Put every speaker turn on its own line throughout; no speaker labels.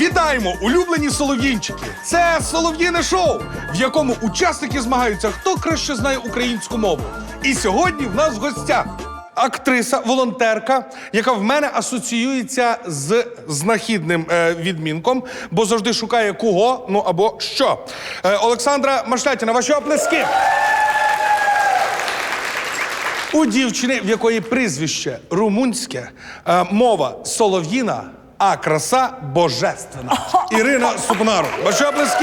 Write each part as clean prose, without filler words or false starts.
Вітаємо, улюблені солов'їнчики! Це солов'їне шоу, в якому учасники змагаються, хто краще знає українську мову. І сьогодні в нас в гостях актриса, волонтерка, яка в мене асоціюється з знахідним відмінком, бо завжди шукає кого, ну або що. Олександра Машлятіна, ваші оплески! У дівчини, в якої прізвище румунське, мова солов'їна, а краса божественна. Ірина Супнару. Ваші оплески!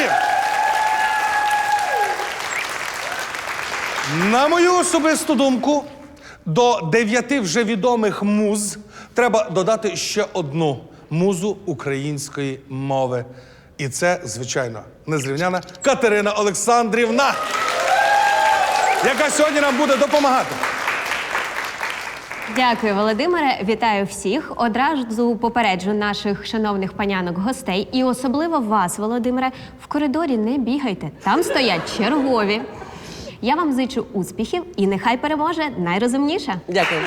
На мою особисту думку, до 9 вже відомих муз треба додати ще одну музу української мови. І це, звичайно, незрівняна Катерина Олександрівна, яка сьогодні нам буде допомагати.
Дякую, Володимире. Вітаю всіх. Одразу попереджу наших шановних панянок-гостей і особливо вас, Володимире, в коридорі не бігайте. Там стоять чергові. Я вам зичу успіхів і нехай переможе найрозумніша.
Дякую.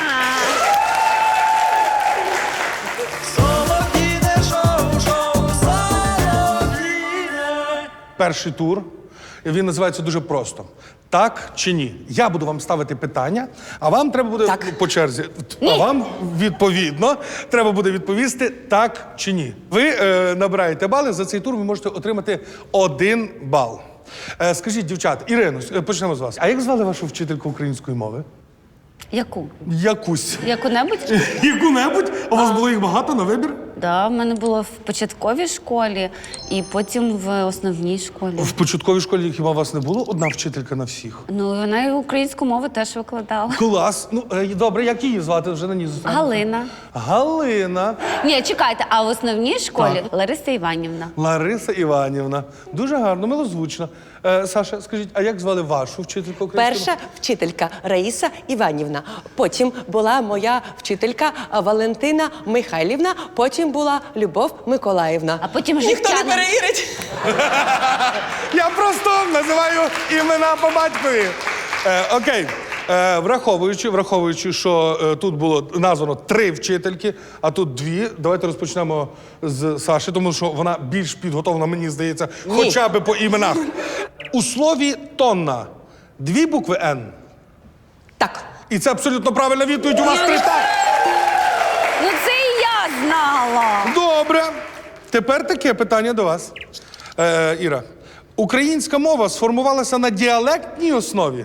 Перший тур. Він називається дуже просто. Так чи ні? Я буду вам ставити питання, а вам треба буде по черзі.
Ні.
А вам, відповідно, треба буде відповісти так чи ні. Ви набираєте бали, за цей тур ви можете отримати 1 бал. Скажіть, дівчата, Ірино, почнемо з вас. А як звали вашу вчительку української мови?
Яку?
Якусь.
Яку-небудь?
Яку-небудь? У вас було їх багато на вибір?
Да, в мене було в початковій школі і потім в основній школі.
В початковій школі хіба у вас не було одна вчителька на всіх?
Ну, вона і українську мову теж викладала.
Клас. Ну, добре, як її звати? Вже на ній зустрінемося.
Галина.
Галина.
Ні, чекайте, а в основній школі
Так.
Лариса Іванівна.
Лариса Іванівна. Дуже гарно, милозвучно. Саша, скажіть, а як звали вашу вчительку української?
Перша вчителька Раїса Іванівна. Потім була моя вчителька Валентина Михайлівна. Потім була Любов Миколаївна.
А потім
Ніхто не
Життяна.
перевірить.
Я просто називаю імена по батькові. Окей. Враховуючи, що тут було названо 3 вчительки, а тут 2, давайте розпочнемо з Саші, тому що вона більш підготовлена, мені здається, хоча б по іменах. У слові «тонна» 2 букви «Н».
Так.
І це абсолютно правильна відповідь. У вас 3 так.
Ну, це і я знала.
Добре. Тепер таке питання до вас. Іра, українська мова сформувалася на діалектній основі?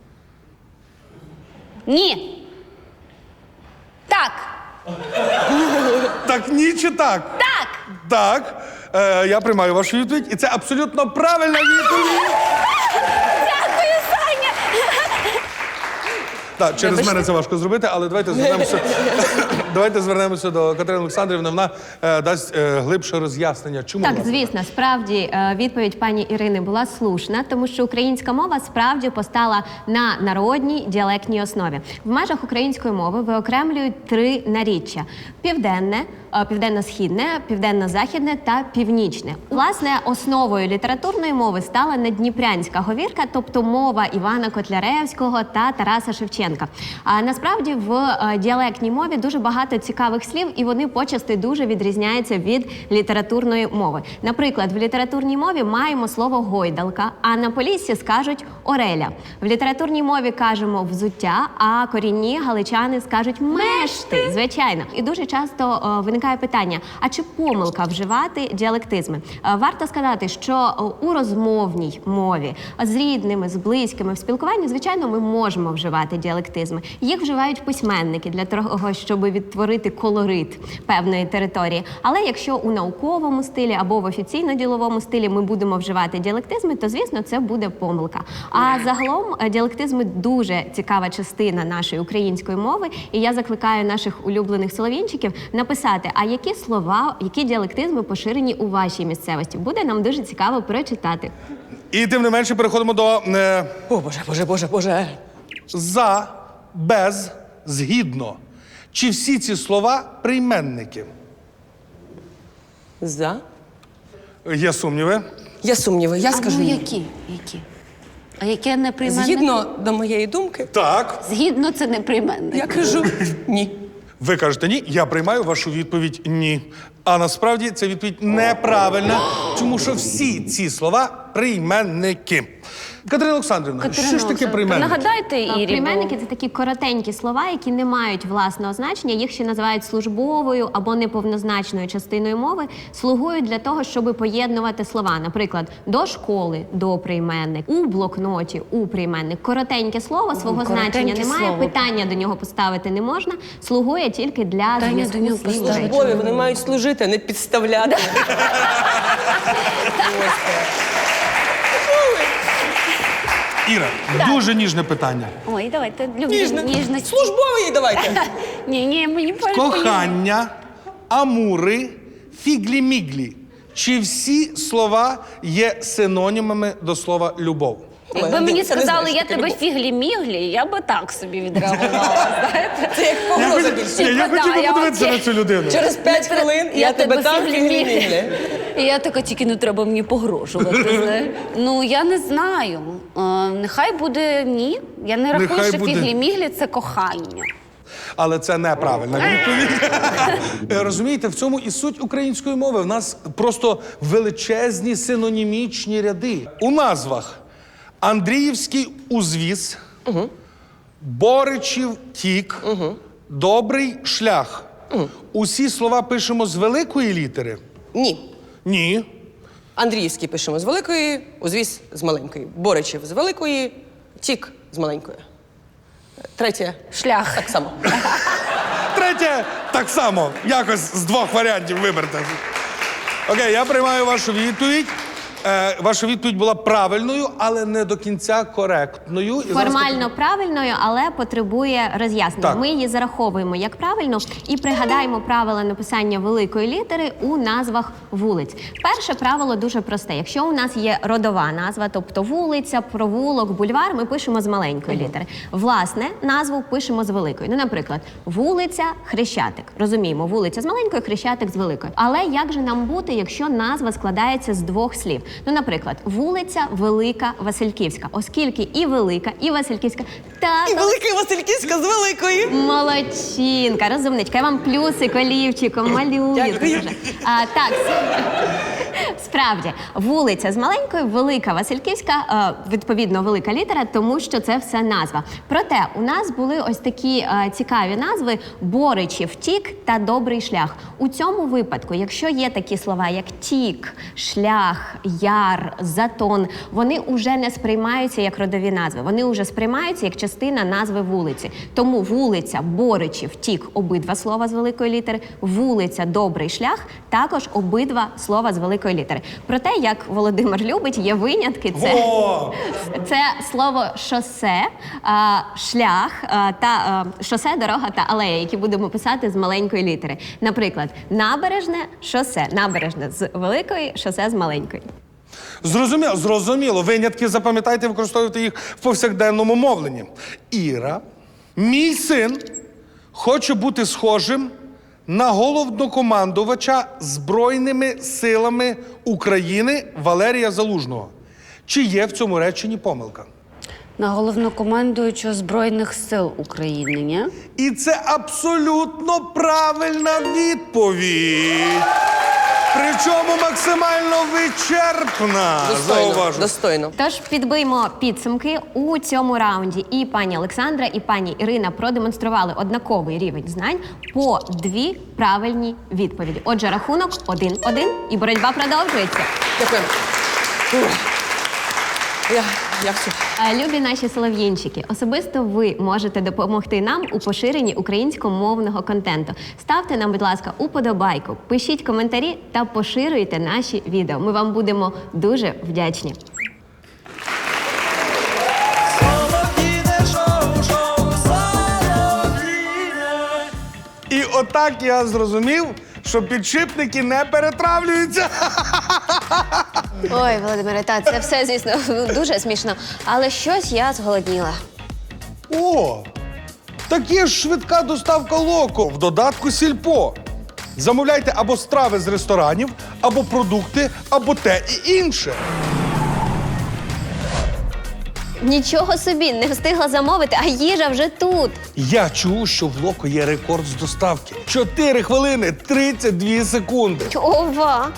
Ні. Так.
Так ні чи так?
Так.
Так. Я приймаю вашу відповідь. І це абсолютно правильна відповідь.
Дякую, Саня.
Так, через мене це важко зробити, але давайте звернемося до Катерини Олександрівни. Вона дасть глибше роз'яснення. Чому?
Так,
власне?
звісно, справді відповідь пані Ірини була слушна, тому що українська мова справді постала на народній діалектній основі. В межах української мови виокремлюють 3 наріччя: південне, південно-східне, південно-західне та північне. Власне, основою літературної мови стала наддніпрянська говірка, тобто мова Івана Котляревського та Тараса Шевченка. А насправді в діалектній мові дуже багато цікавих слів, і вони почасти дуже відрізняються від літературної мови. Наприклад, в літературній мові маємо слово «гойдалка», а на Поліссі скажуть «ореля». В літературній мові кажемо «взуття», а корінні галичани скажуть «мешти», звичайно. І дуже часто виникає питання, а чи помилка вживати діалектизми? Варто сказати, що у розмовній мові з рідними, з близькими в спілкуванні, звичайно, ми можемо вживати діалектизми. Їх вживають письменники для того, щоб відтворити колорит певної території. Але якщо у науковому стилі або в офіційно-діловому стилі ми будемо вживати діалектизми, то, звісно, це буде помилка. А загалом діалектизми дуже цікава частина нашої української мови, і я закликаю наших улюблених солов'їнчиків написати, а які слова, які діалектизми поширені у вашій місцевості. Буде нам дуже цікаво прочитати.
І тим не менше переходимо до
О, Боже.
«за», «без», «згідно». Чи всі ці слова прийменники?
За.
Є сумніви?
Є сумніви, я скажу
Ну,
ні.
які? А яке неприйменник?
Згідно до моєї думки,
Так.
Згідно це неприйменник.
я кажу ні.
Ви кажете ні, я приймаю вашу відповідь ні. А насправді ця відповідь неправильна, тому що всі ці слова прийменники. Катерина Олександрівна, що ж таке прийменники?
Нагадайте, Ірі.
Прийменники – це такі коротенькі слова, які не мають власного значення. Їх ще називають службовою або неповнозначною частиною мови. Слугують для того, щоб поєднувати слова. Наприклад, до школи – до прийменник, у блокноті – у прийменник. Коротеньке слово, свого
коротеньке
значення немає,
слово.
питання до нього поставити не можна. Слугує тільки для
Питання
зв'язку
до нього
слів.
поставити.
Службові, вони мають служити, а не підставляти.
Іра, дуже ніжне питання.
Ой, давайте, люблю
Ніжне.
ніжність.
Службові давайте.
Ні, мені
Кохання, амури, фіглі-міглі. Чи всі слова є синонімами до слова любов?
Якби мені
Це не
сказали,
знаєш,
я
таке
тебе
любов.
фіглі-міглі, я би так собі відреагувала, знаєте?
Це як погроза більше.
Я хотів би
я
подивитися
окей.
на цю людину.
Через 5 хвилин я тебе там фіглі-міглі.
І я така, тільки не треба мені погрожувати, знаєш. Ну, я не знаю. Нехай буде ні. Я не рахую,
Нехай
що
буде.
фіглі-міглі – це кохання.
Але це неправильна відповідь. Розумієте, в цьому і суть української мови. В нас просто величезні синонімічні ряди. У назвах Андріївський узвіз, Боричів тік, Добрий шлях. Усі слова пишемо з великої літери?
Ні.
Ні.
Андріївський пишемо з великої, узвіз з маленької. Боричів з великої, тік з маленької. Третє.
Шлях.
Так само.
Третє так само. Якось з двох варіантів виберте. Окей, я приймаю вашу відповідь. Ваша відповідь була правильною, але не до кінця коректною. І зараз
Формально правильною, але потребує роз'яснення.
Так.
Ми її зараховуємо як правильно і пригадаємо правила написання великої літери у назвах вулиць. Перше правило дуже просте. Якщо у нас є родова назва, тобто вулиця, провулок, бульвар, ми пишемо з маленької літери. Власне, назву пишемо з великої. Ну, наприклад, вулиця Хрещатик. Розуміємо, вулиця з маленької, Хрещатик з великої. Але як же нам бути, якщо назва складається з двох слів? Ну, наприклад, вулиця Велика Васильківська, оскільки і Велика, і Васильківська
І велика Васильківська з великої.
Молодчинка, розумничка. Я вам плюсик олівчиком малюю.
Дякую.
Дуже. Так, справді, вулиця з маленької, Велика Васильківська, відповідно, велика літера, тому що це все назва. Проте у нас були ось такі цікаві назви Боричів тік та Добрий шлях. У цьому випадку, якщо є такі слова, як тік, шлях, яр, затон, вони вже не сприймаються як родові назви. Вони вже сприймаються як частина назви вулиці. Тому вулиця, Боричів, тік – обидва слова з великої літери, вулиця, Добрий шлях – також обидва слова з великої літери. Проте, як Володимир любить, є винятки. Це слово шосе, шлях, шосе, дорога та алея, які будемо писати з маленької літери. Наприклад, набережне, шосе. Набережне з великої, шосе з маленької.
Зрозуміло. Винятки запам'ятайте, використовуйте їх в повсякденному мовленні. Іра, мій син хоче бути схожим на головнокомандувача Збройними силами України Валерія Залужного. Чи є в цьому реченні помилка?
На головнокомандуючого Збройних сил України, ні?
І це абсолютно правильна відповідь. Причому максимально вичерпна.
Достойно.
Зауважу.
Достойно.
Тож підбиймо підсумки. У цьому раунді і пані Олександра, і пані Ірина продемонстрували однаковий рівень знань по 2 правильні відповіді. Отже, рахунок 1-1 і боротьба продовжується.
Дякую. Я все.
Любі наші солов'їнчики, особисто ви можете допомогти нам у поширенні українськомовного контенту. Ставте нам, будь ласка, уподобайку, пишіть коментарі та поширюйте наші відео. Ми вам будемо дуже вдячні.
І отак я зрозумів, що підшипники не перетравлюються.
Ой, Володимире, це все, звісно, дуже смішно. Але щось я зголодніла.
О, так є ж швидка доставка Локо в додатку Сільпо. Замовляйте або страви з ресторанів, або продукти, або те і інше.
Нічого собі, не встигла замовити, а їжа вже тут.
Я чув, що в Локо є рекорд з доставки. 4 хвилини 32 секунди.
Ова!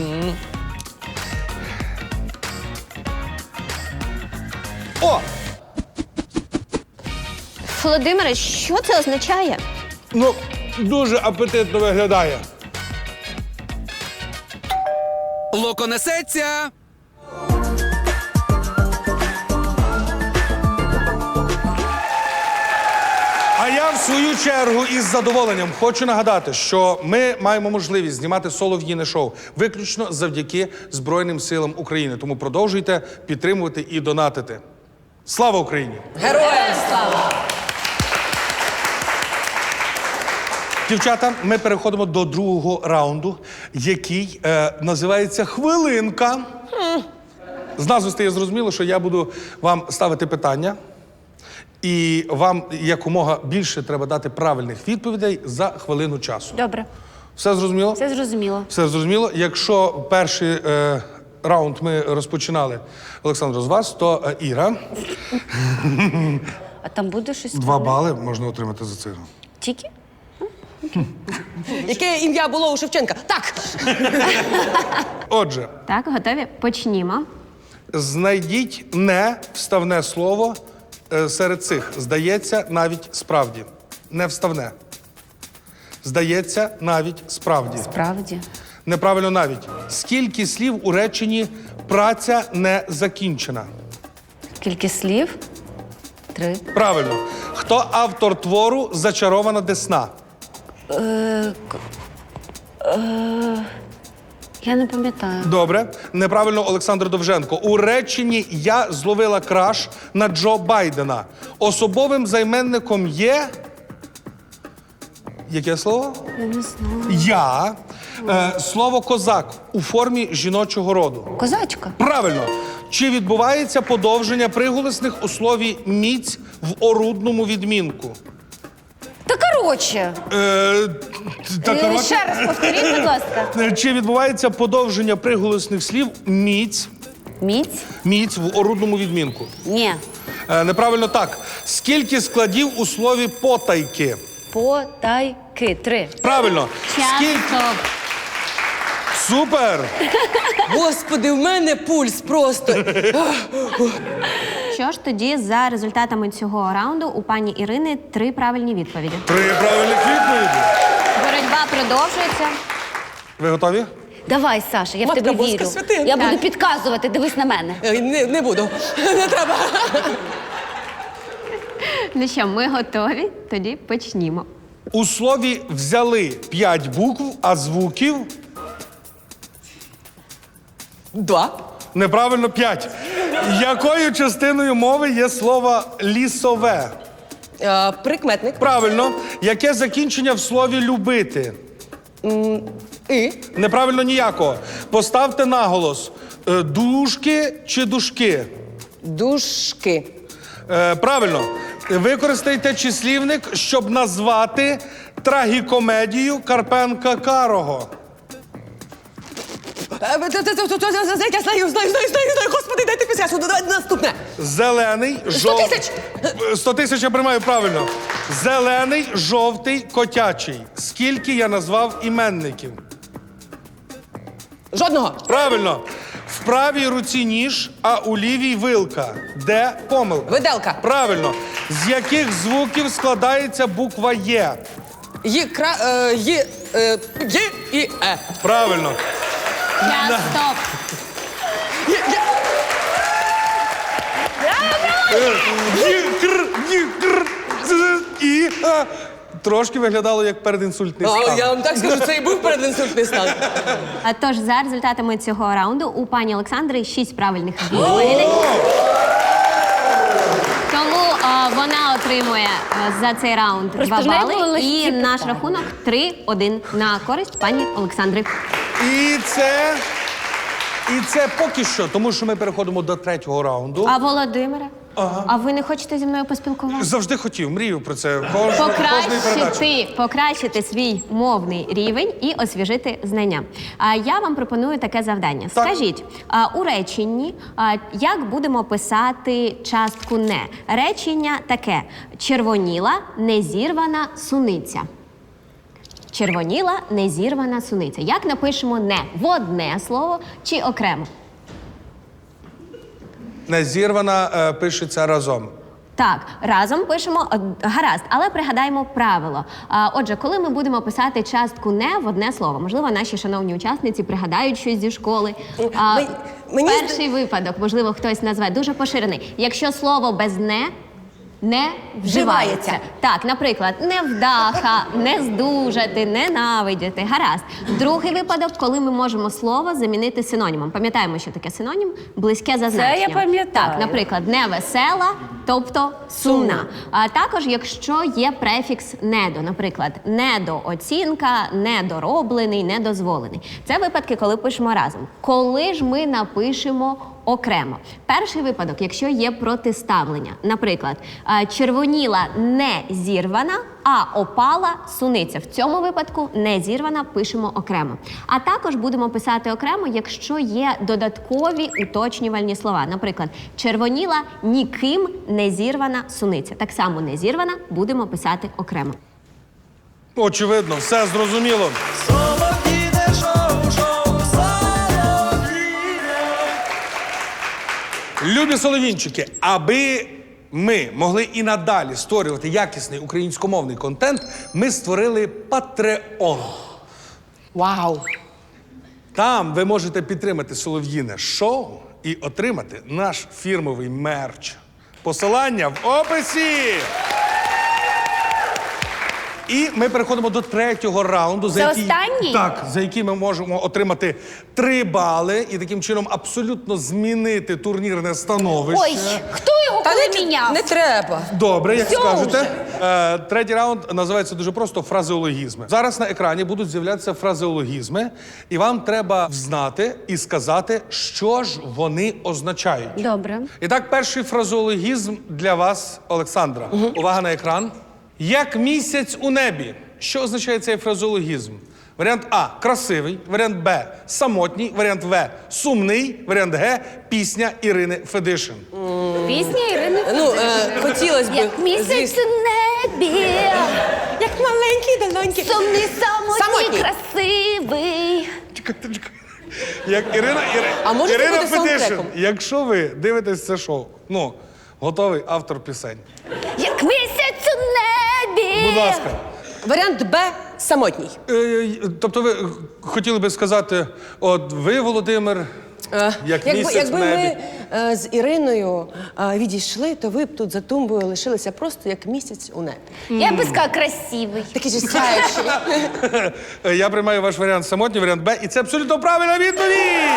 О!
Володимире, що це означає?
Ну, дуже апетитно виглядає.
Локо несеться!
А я, в свою чергу, із задоволенням хочу нагадати, що ми маємо можливість знімати солов'їне шоу виключно завдяки Збройним силам України. Тому продовжуйте підтримувати і донатити. Слава Україні!
Героям слава!
Дівчата, ми переходимо до другого раунду, який називається «Хвилинка». З назви стає зрозуміло, що я буду вам ставити питання, і вам якомога більше треба дати правильних відповідей за хвилину часу.
Добре,
Все зрозуміло?
все зрозуміло.
Все зрозуміло. Якщо перший раунд ми розпочинали, Олександр, з вас, то Іра.
А там буде щось?
2 бали можна отримати за це.
Тільки?
Яке ім'я було у Шевченка? Так!
Отже,
Так, готові? Почнімо.
знайдіть не вставне слово серед цих. Здається, навіть справді. Не вставне. Здається, навіть справді.
Справді.
Неправильно навіть. Скільки слів у реченні «праця не закінчена»?
Скільки слів? 3.
Правильно. Хто автор твору «Зачарована десна»?
Я не пам'ятаю.
Добре. Неправильно, Олександр Довженко. У реченні «Я зловила краш на Джо Байдена». Особовим займенником є... Яке слово?
Я не знаю.
Я. Слово «козак» у формі жіночого роду.
Козачка.
Правильно. Чи відбувається подовження приголосних у слові «міць» в орудному відмінку?
Та коротше.
Коротше,
Ще раз повторіть, будь ласка.
чи відбувається подовження приголосних слів «міць»
Міць?
в орудному відмінку?
Ні.
Неправильно так. Скільки складів у слові «потайки»?
Потайки. 3.
Правильно.
Час,
Скільки...
стоп.
Супер!
Господи, в мене пульс просто.
Що ж тоді за результатами цього раунду у пані Ірини 3 правильні відповіді.
3 правильних відповіді.
Боротьба продовжується.
Ви готові?
Давай, Саша, я в
Матка
тебе
Боска
вірю.
святина.
Я буду
Так.
підказувати, дивись на мене.
Не буду. Не треба.
Ну що, ми готові? Тоді почнімо.
У слові «взяли» 5 букв, а звуків
2.
неправильно 5. Якою частиною мови є слово «лісове»?
Прикметник.
Правильно. Яке закінчення в слові «любити»?
І.
Неправильно ніякого. Поставте наголос. Дужки чи дужки?
Дужки.
Правильно. Використайте числівник, щоб назвати трагікомедію Карпенка Карого.
Я знаю. Господи, дайте підсказку. Давайте наступне.
Зелений,
100 тисяч.
100 тисяч я приймаю правильно. Зелений, жовтий, котячий. Скільки я назвав іменників?
Жодного.
Правильно. В правій руці ніж, а у лівій вилка. Де помилка?
Виделка.
Правильно. З яких звуків складається буква Є?
Є і Е.
Час,
Правильно.
стоп.
І трошки виглядало як передінсультний стан.
Я вам так скажу, це і був передінсультний стан.
А тож, за результатами цього раунду у пані Олександри 6 правильних відповідей. Тому вона отримує за цей раунд
Просто
2
в неї були
бали.
легкі
І наш
питання.
рахунок 3-1 на користь пані Олександри.
І це поки що, тому що ми переходимо до 3-го раунду.
А Володимире? А ви не хочете зі мною поспілкуватися?
Завжди хотів, мрію про це. Кожної передачі.
Покращити свій мовний рівень і освіжити знання. Я вам пропоную таке завдання.
Так.
Скажіть, у реченні, як будемо писати частку «не»? Речення таке: червоніла незірвана суниця. Червоніла незірвана суниця. Як напишемо «не»? В одне слово чи окремо?
Незірвана пишеться разом.
Так, разом пишемо, гаразд, але пригадаємо правило. Отже, коли ми будемо писати частку «не» в одне слово, можливо, наші шановні учасниці пригадають щось зі школи.
Мені
Перший випадок, можливо, хтось назве, дуже поширений. Якщо слово без «не» не вживається. Так, наприклад, невдаха, не здужати, ненавидіти. Гаразд. Другий випадок, коли ми можемо слово замінити синонімом. Пам'ятаємо, що таке синонім? Близьке за значенням.
я пам'ятаю.
Так, наприклад, невесела, тобто сумна. А також, якщо є префікс «недо», наприклад, недооцінка, недороблений, недозволений. Це випадки, коли пишемо разом. Коли ж ми напишемо окремо? Перший випадок, якщо є протиставлення. Наприклад, червоніла не зірвана, а опала суниця. В цьому випадку не зірвана пишемо окремо. А також будемо писати окремо, якщо є додаткові уточнювальні слова. Наприклад, червоніла ніким не зірвана суниця. Так само не зірвана будемо писати окремо.
Очевидно, все зрозуміло. Любі солов'їнчики, аби ми могли і надалі створювати якісний українськомовний контент, ми створили Patreon.
Вау!
Там ви можете підтримати Солов'їне шоу і отримати наш фірмовий мерч. Посилання в описі! І ми переходимо до третього раунду.
Це останній?
Так, за який ми можемо отримати 3 бали і таким чином абсолютно змінити турнірне становище.
Ой, хто його коли міняв?
Не треба.
Добре, як
Всьо
скажете. Третій раунд називається дуже просто фразеологізми. Зараз на екрані будуть з'являтися фразеологізми, і вам треба взнати і сказати, що ж вони означають.
Добре.
І так, перший фразеологізм для вас, Олександра. Увага на екран. Як місяць у небі. Що означає цей фразеологізм? Варіант А – красивий, варіант Б – самотній, варіант В – сумний, варіант Г – пісня Ірини Федишин.
Пісня Ірини
Хотілося б.
Як місяць у небі,
Як маленький долоньки.
сумний, самотній,
Самотній.
красивий.
Чекайте. Як Ірина
А може це
Ірина
буде
Федишин.
саундтреком?
Якщо ви дивитесь це шоу, готовий автор пісень.
Як місяць у небі.
Будь ласка.
Варіант Б – самотній.
Тобто ви хотіли би сказати, от ви, Володимир, як місяць в
Якби
небі.
ми з Іриною відійшли, то ви б тут за тумбою лишилися просто як місяць у небі.
Я би сказала красивий.
Такий же сяючий.
Я приймаю ваш варіант самотній, варіант Б, і це абсолютно правильна відповідь!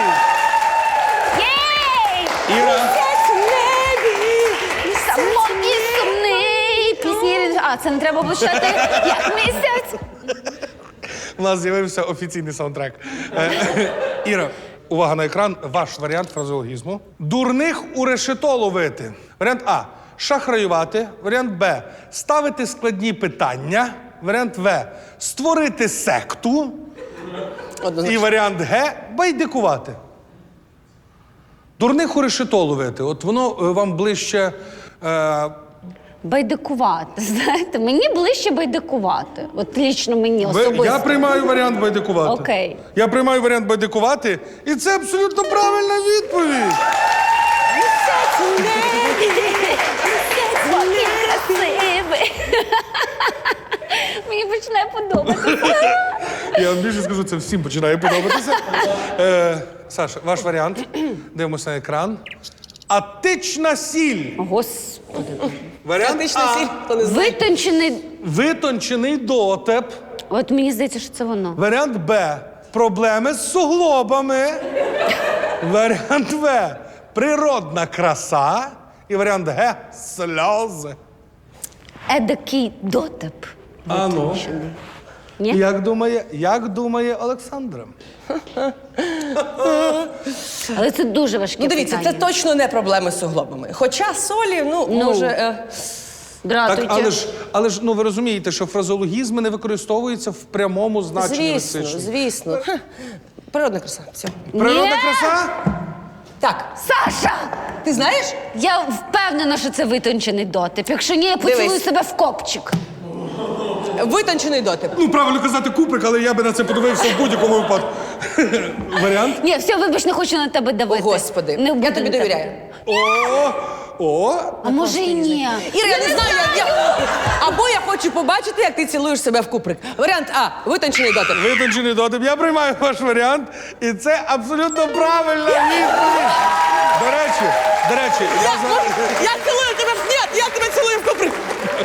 Єй!
Іра,
Місяць у небі.
Самотній, сумний. Пісня Ірини. А, це не треба було читати. Як місяць.
у нас з'явився офіційний саундтрек. Іра, увага на екран, ваш варіант фразеологізму. Дурних у решето ловити. Варіант А – шахраювати. Варіант Б – ставити складні питання. Варіант В – створити секту. І варіант Г – байдикувати. Дурних у решето ловити. От воно вам ближче...
Байдикувати, знаєте, мені ближче байдикувати. От лічно мені особисто.
Я приймаю варіант байдикувати.
Окей.
Я приймаю варіант байдикувати, і це абсолютно правильна відповідь.
Місяць у небі.
Який красивий. Мені починає подобатися.
Я вам більше скажу, це всім починає подобатися. Саша, ваш варіант. Дивимося на екран. Атична сіль.
Господи.
Варіант
Антична сіль,
А.
хто не знає.
Витончений.
Витончений дотеп.
От мені здається, що це воно.
Варіант Б. Проблеми з суглобами. Варіант В. Природна краса. І варіант Г. Сльози.
Едакий дотеп.
А ну.
Витончений.
Ні?
Як думає Олександра?
Але це дуже важке
Ну, дивіться,
питання.
це точно не проблеми з суглобами. Хоча солі, може...
Дратуйте.
Так, але ж, ну ви розумієте, що фразеологізми не використовуються в прямому значенні
Звісно,
лексичному.
звісно. Природна краса. Все.
Природна
Ні.
краса?
Так,
Саша!
ти знаєш?
Я впевнена, що це витончений дотип. Якщо ні, я поцілую
Дивись.
себе в копчик.
Витончений дотип.
Ну, правильно казати Куприк, але я би на це подивився в будь-якому випадку. Варіант?
Ні, все, вибач, не хочу на тебе
О,
давити.
Господи,
Не буду
я тобі
на тебе.
довіряю.
А може і ні.
Іра, я не знаю, або я хочу побачити, як ти цілуєш себе в куприк. Варіант А. Витончений дотип.
Витончений дотип. Я приймаю ваш варіант, і це абсолютно правильна відповідь. До речі,
Я цілую тебе в... Ні, я тебе цілую в куприк.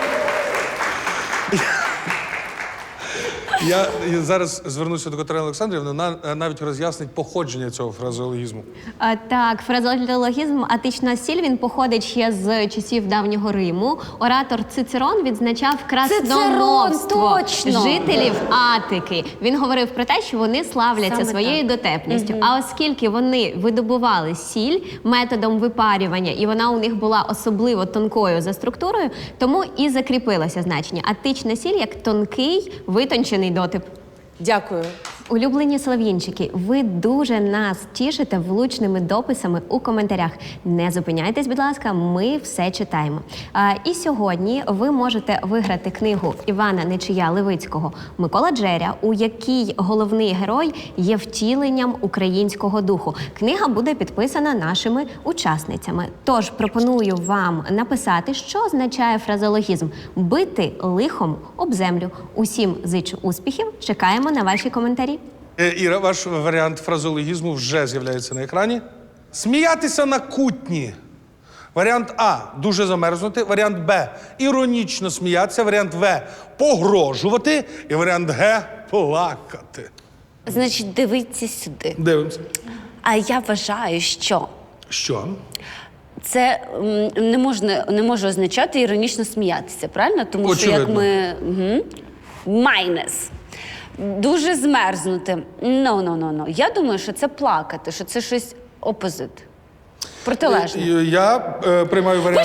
я зараз звернуся до Катерини Олександрівни, вона навіть роз'яснить походження цього фразеологізму.
Так, фразеологізм «атична сіль» він походить ще з часів давнього Риму. Оратор Цицерон відзначав красномовство
точно!
жителів Атики. Він говорив про те, що вони славляться
Саме
своєю дотепністю. А оскільки вони видобували сіль методом випарювання, і вона у них була особливо тонкою за структурою, тому і закріпилося значення «атична сіль» як тонкий, витончений дотип.
Дякую.
Улюблені слов'їнчики, ви дуже нас тішите влучними дописами у коментарях. Не зупиняйтесь, будь ласка, ми все читаємо. І сьогодні ви можете виграти книгу Івана Нечия Левицького «Микола Джеря», у якій головний герой є втіленням українського духу. Книга буде підписана нашими учасницями. Тож пропоную вам написати, що означає фразеологізм «бити лихом об землю». Усім зичу успіхів, чекаємо на ваші коментарі.
Іра, ваш варіант фразеологізму вже з'являється на екрані. Сміятися на кутні. Варіант А – дуже замерзнути. Варіант Б – іронічно сміятися. Варіант В – погрожувати. І варіант Г – плакати.
Значить, дивіться сюди.
Дивимося.
А я вважаю, що
Що?
це не може означати іронічно сміятися, правильно? Тому що як
Очевидно.
ми... Майнес. Дуже змерзнути. No. Я думаю, що це плакати, що це щось опозит. Протилежне.
Я приймаю варіант.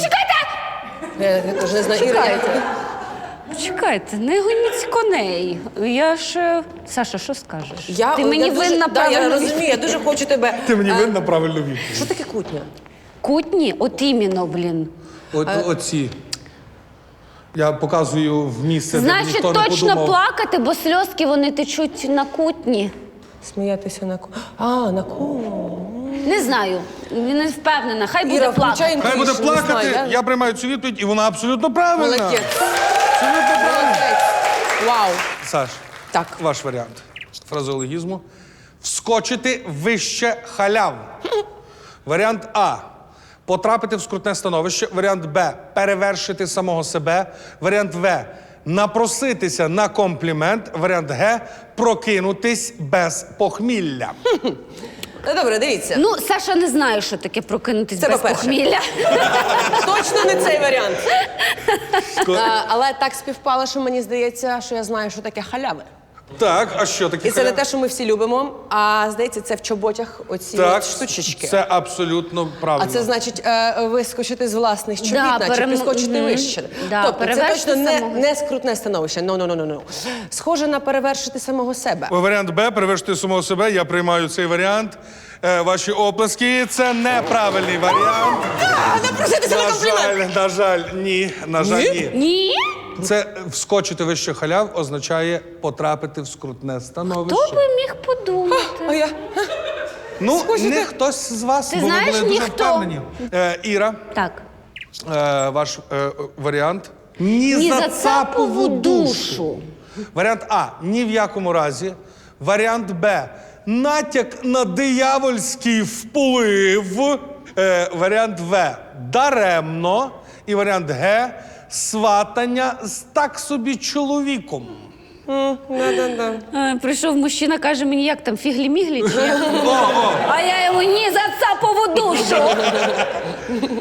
Я теж не знаю. Іра,
Чекайте, не гоніть коней. Я ж... Саша, що скажеш? Ти мені
дуже-
винна
Да, я
правильно
розумію, я дуже хочу тебе...
Ти мені винна правильну відповідь.
Що таке кутня?
Кутні? От іменно, блін.
Оці. Я показую в місце, де
Значить,
ніхто не
точно
подумав.
плакати, бо сльозки, вони течуть на кутні.
Сміятися на на
Не знаю, не впевнена. Хай буде
Іра,
плакати.
включай
Хай буде
інтуїшн, не
плакати,
знаю,
я приймаю цю відповідь, і вона абсолютно правильна.
Молодець.
Абсолютно правильна.
Молодець. Вау.
Саш,
Так.
ваш варіант фразеологізму. Вскочити вище халяв. Варіант А. Потрапити в скрутне становище. Варіант Б. Перевершити самого себе. Варіант В. Напроситися на комплімент. Варіант Г. Прокинутись без похмілля.
Ну, добре, дивіться.
Ну, Саша не знає, що таке прокинутись
Це
без
по-перше.
похмілля.
Точно не цей варіант. Але так співпало, що мені здається, що я знаю, що таке халяви.
Так, а що таке
І це не
халява?
те, що ми всі любимо, а здається, це в чоботях оці
Так,
от штучечки.
це абсолютно правильно.
А це значить вискочити з власних чобіт,
Да,
наче підскочити вище.
Да,
Тобто це
перевершити
точно
самого.
не скрутне становище. No. Схоже на перевершити самого себе.
Варіант Б. Перевершити самого себе. Я приймаю цей варіант. Ваші оплески. Це неправильний варіант.
Напроситися на комплімент!
На жаль, ні. На жаль, ні.
Ні?
Це вскочити вище халяв означає потрапити в скрутне становище.
Хто би міг подумати?
А я...
Ну,
Скочити?
не хтось з вас,
Ти
бо ви
знаєш,
були дуже
ніхто.
впевнені. Іра,
Так.
ваш варіант. Ні
Ні
за
за цапову душу.
Варіант А. Ні в якому разі. Варіант Б. Натяк на диявольський вплив. Варіант В. Даремно. І варіант Г. Сватання з так собі чоловіком.
Прийшов мужчина, каже мені, як там, фіглі-міглі? Чи як там? А я йому ні за цапову душу.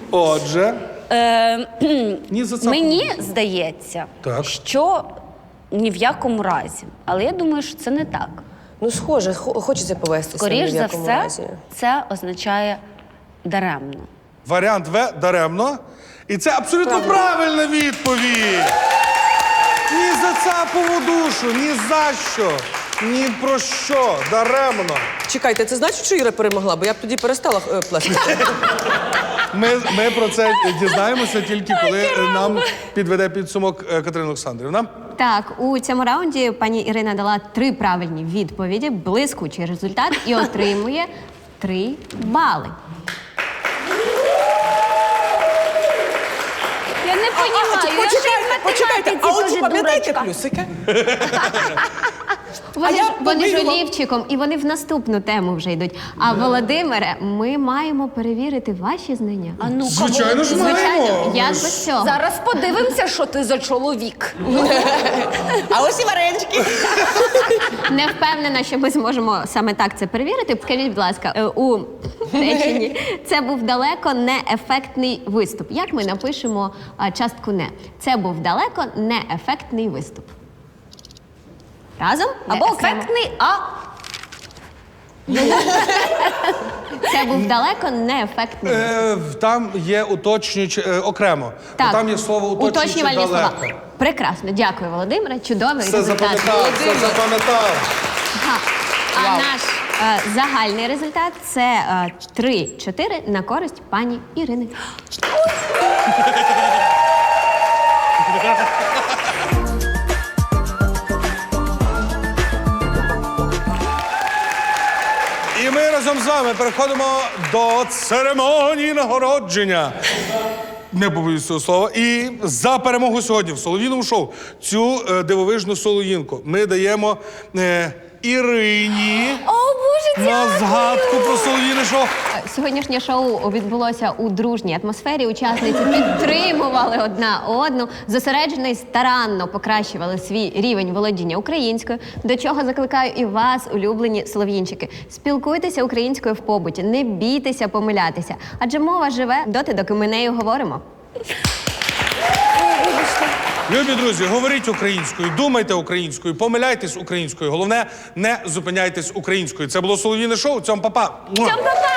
Отже. Ні за цапову
Мені здається,
Так.
що ні в якому разі. Але я думаю, що це не так.
Ну, схоже, хочеться повестися.
Скоріш
ні в
за
якому
все,
разі.
це означає даремно.
Варіант В даремно. І це абсолютно правильна відповідь. Ні за цапову душу, ні за що, ні про що. Даремно.
Чекайте, це значить, що Іра перемогла? Бо я б тоді перестала плескати.
Ми про це дізнаємося тільки коли нам підведе підсумок Катерина Олександрівна.
Так, у цьому раунді пані Ірина дала 3 правильні відповіді, блискучий результат і отримує 3 бали.
Я не розумію,
Почекайте, а оці пам'ятаєте плюсики?
Вони ж
побігла.
олівчиком, і вони в наступну тему вже йдуть. А Володимире, ми маємо перевірити ваші знання.
А ну-ка,
Звичайно ж
Володимир,
Звичайно, як без цього?
Зараз подивимося, що ти за чоловік.
А ось і варенички.
Не впевнена, що ми зможемо саме так це перевірити. Скажіть, будь ласка, у реченні це був далеко не ефектний виступ. Як ми напишемо частку «не»? Це був далеко не ефектний виступ. Разом або окремо?
Ефектний, а
Це був далеко не ефектний виступ.
Там є уточнюючи окремо.
Так,
Там є слово уточнюючи
уточнювальні слова.
далеко.
Прекрасно, дякую, Володимире. Чудовий
Все
результат.
запам'ятав, все запам'ятав.
Ага. А наш загальний результат це 3-4 на користь пані Ірини.
І ми разом з вами переходимо до церемонії нагородження. Не побоюсь цього слова. І за перемогу сьогодні в солов'їному шоу цю дивовижну солов'їнку ми даємо Ірині на згадку про солов'їне шоу.
Сьогоднішнє шоу відбулося у дружній атмосфері. Учасниці підтримували одна одну, зосереджено і старанно покращували свій рівень володіння українською, до чого закликаю і вас, улюблені солов'їнчики. Спілкуйтеся українською в побуті, не бійтеся помилятися, адже мова живе доти, доки ми нею говоримо.
Любі друзі, говоріть українською, думайте українською, помиляйтесь українською. Головне, не зупиняйтесь українською. Це було солов'їне шоу. Цьом па-па.
Цьом па-па!